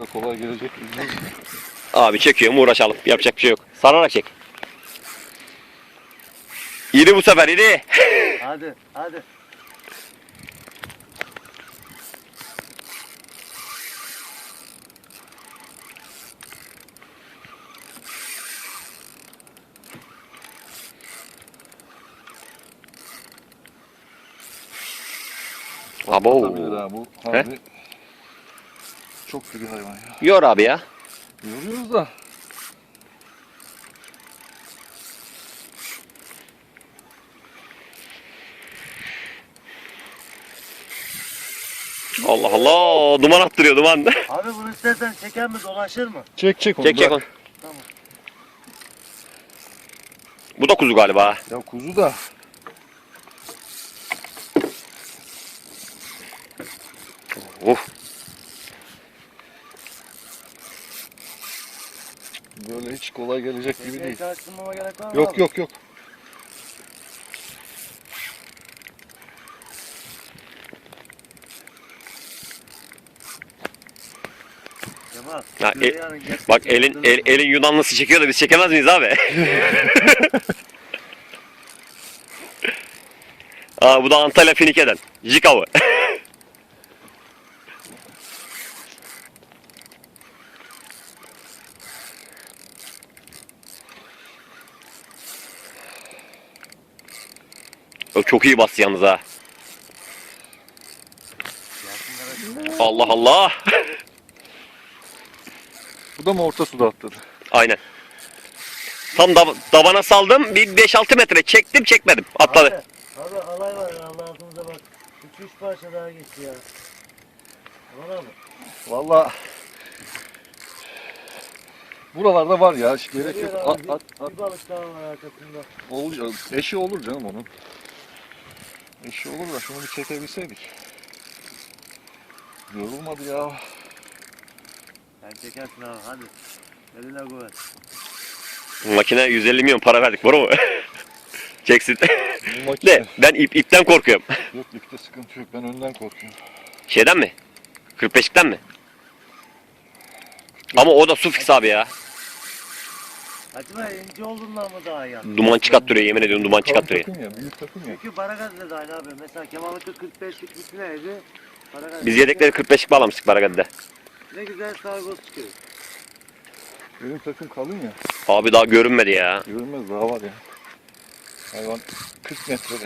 Kolay gelecek. Abi çekiyorum, uğraşalım. Yapacak bir şey yok. Sararak çek. İri bu sefer, iri. Hadi hadi. Abo. Olabilir ha bu. Harbi çok sürü hayvan ya. Yor abi ya. Yoruyoruz da. Allah Allah. Duman attırıyor, duman. Abi bunu istersen çeker mi, dolaşır mı? Çek onu. Çek çek onu. bırak. Tamam. Bu da kuzu galiba. Ya kuzu da. Böyle hiç kolay gelecek gibi değil. Karıştırmama gerek var mı Yok abi? yok yok. Kemal. Ha, şuraya yarın geç- Bak elin Yunanlısı çekiyor da biz çekemez miyiz abi? Aa, bu da Antalya Finike'den. Jik avı. O çok iyi bastı yalnız ha. Allah Allah. Bu da mı orta suda atladı? Aynen. Tam dabana saldım. Bir 5-6 metre çektim, çekmedim. Atladı. Abi alay var ya, Allah altımıza bak. 2-3 parça daha geçti ya. Kemal abi. Vallahi buralarda var ya, hiç gerek Geliyor yok. abi, At. bir balık daha var arkasında. Olur, eşi olur canım onun. Eşi olur da şunu bir çekebilseydik. Yorulmadı ya. Sen çekersin abi, hadi. Eline kuvvet. Makine 150 milyon para verdik. Doğru mu? Çeksin. Bu makine. De ben ipten korkuyorum. Yok, ipte sıkıntı yok, ben önden korkuyorum. Şeyden mi? 45'likten mi? Ama o da su fix abi ya. Acaba ince olduğundan mı daha iyi yaptın? Duman çıkarttırıyor, yemin ediyorum duman çıkarttırıyor. Takım ya, büyük takım ya. Çünkü Baragaz'da da aynı abi. Mesela Kemal'ınki 45'lik bitineydi. Biz yedekleri 45'lik bağlamıştık Baragad'da. Ne güzel sargoz çıkıyor. Benim takım kalın ya. Abi daha görünmedi ya. Görünmez, daha var ya. Hayvan 40 metrede.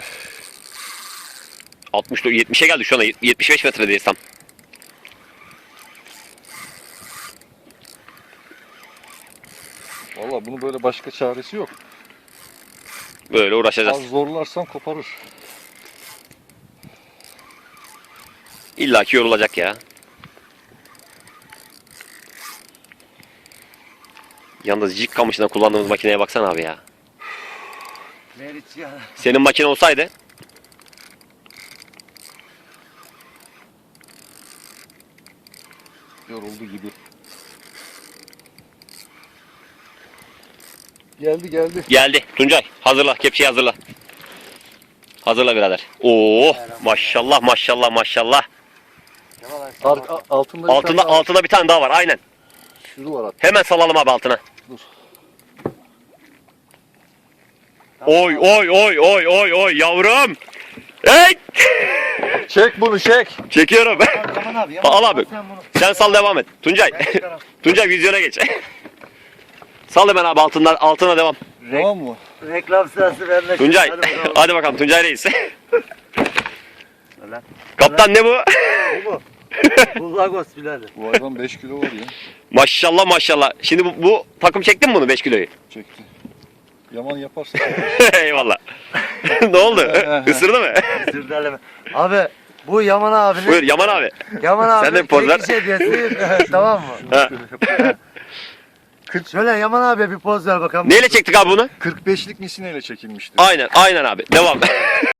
70'e geldi şu anda, 75 metredeyiz tam. Valla bunu böyle başka çaresi yok. Böyle uğraşacağız. Az zorlarsam koparır. İlla ki yorulacak ya. Yalnız jig kamışına kullandığımız makineye baksana abi ya. Meriç ya. Senin makine olsaydı Yoruldu gibi. Geldi. geldi. Tuncay hazırla, kepçeyi hazırla. Hazırla birader. Oo, maşallah maşallah maşallah. Kemal abi. Altında bir tane daha var, aynen. Şuru var hatta. Hemen salalım abi altına. Dur. Oy oy oy oy oy oy yavrum. Hey! Çek bunu, çek. Çekiyorum. Kemal abi. Al abi. Sen bunu. Sen sal, devam et. Tuncay. Ben çıkarım. Tuncay vizyona geç. Sal hemen abi altına devam. Tamam mı? Reklam sırası vermek. Tuncay. Hadi bakalım. Hadi bakalım Tuncay Reis. Öyle. Kaptan ne bu? Bu mu? Bu Lagos birader. Bu hayvan 5 kilo var ya. Maşallah maşallah. Şimdi bu takım çektin mi bunu 5 kiloyu? Çekti. Yaman yaparsa. Eyvallah. Ne oldu? Isırdı mı? Sürdürleme. Abi bu Yaman abinin. Buyur Yaman abi. Yaman abi. Sen de bir poz ver. hediyesi. Tamam mı? Ha. Şöyle Yaman abi bir poz ver bakalım. Neyle çektik abi bunu? 45'lik misineyle çekilmişti. Aynen abi. Devam.